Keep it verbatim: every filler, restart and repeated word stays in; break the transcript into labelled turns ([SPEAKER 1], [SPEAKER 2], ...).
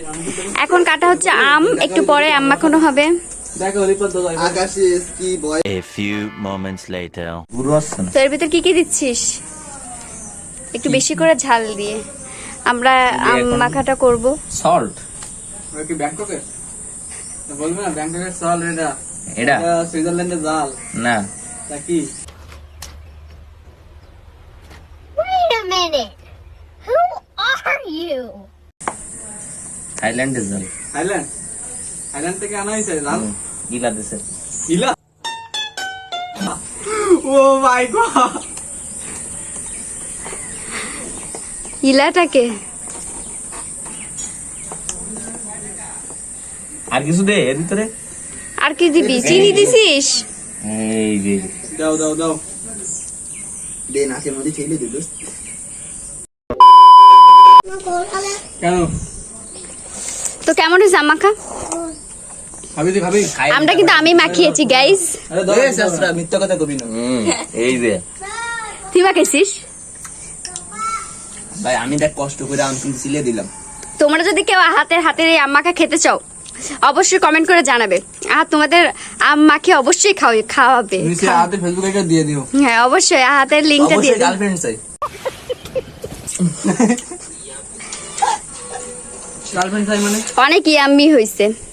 [SPEAKER 1] এখন কাটা হচ্ছে আম, একটু পরে আম মাখানো হবে।
[SPEAKER 2] A few moments later.
[SPEAKER 1] তো এর ভিতর কি কি দিচ্ছিস? একটু বেশি করে ঝাল দিয়ে আমরা আম মাখাটা করব।
[SPEAKER 3] সল্ট
[SPEAKER 4] কি ব্যাংককে বলবে না, ব্যাংককের সল্ট এটা,
[SPEAKER 3] এটা
[SPEAKER 4] সুইজারল্যান্ডের জাল
[SPEAKER 3] না,
[SPEAKER 4] তা কি?
[SPEAKER 5] Wait a minute. Who are you?
[SPEAKER 3] থাইল্যান্ডের জল।
[SPEAKER 4] থাইল্যান্ড, থাইল্যান্ড থেকে আনা হয়েছে জাল।
[SPEAKER 3] গিলা দিছে।
[SPEAKER 4] ইলা ও মাই গড,
[SPEAKER 1] ইলাটাকে
[SPEAKER 3] আর কিছু দে এর ভিতরে।
[SPEAKER 1] আর কি দিবি? চিনি দিছিস?
[SPEAKER 3] এই যে
[SPEAKER 4] দাও দাও দাও,
[SPEAKER 6] দে নাকের মধ্যে ছেলে দিল।
[SPEAKER 4] কেন
[SPEAKER 1] তো কেমন হয়েছে আম মাখা?
[SPEAKER 4] ভাবি দি ভাবি,
[SPEAKER 1] আমটা কিন্তু আমি মাখিয়েছি গাইস।
[SPEAKER 4] আরে দাও
[SPEAKER 6] এ শাস্ত্রা মিথ্যা কথা কবি না।
[SPEAKER 3] হুম, এই যে
[SPEAKER 1] তুই মাখাইছিস?
[SPEAKER 6] ভাই আমি দেখ কষ্ট করে আম সিলে দিলাম।
[SPEAKER 1] তোমরা যদি কেউ হাতের হাতের এই আম মাখা খেতে চাও অবশ্যই কমেন্ট করে জানাবে। আর তোমাদের আম মাখিয়ে অবশ্যই খাও খাওয়াবে।
[SPEAKER 4] নিচে হাতে ফেসবুকে একটা দিয়ে দিও।
[SPEAKER 1] হ্যাঁ অবশ্যই হাতের লিংকটা দিয়ে
[SPEAKER 6] অবশ্যই
[SPEAKER 1] দিও।
[SPEAKER 6] গার্লফ্রেন্ড চাই।
[SPEAKER 4] গার্লফ্রেন্ড চাই মানে
[SPEAKER 1] অনেক ইয়াম্মি হয়েছে।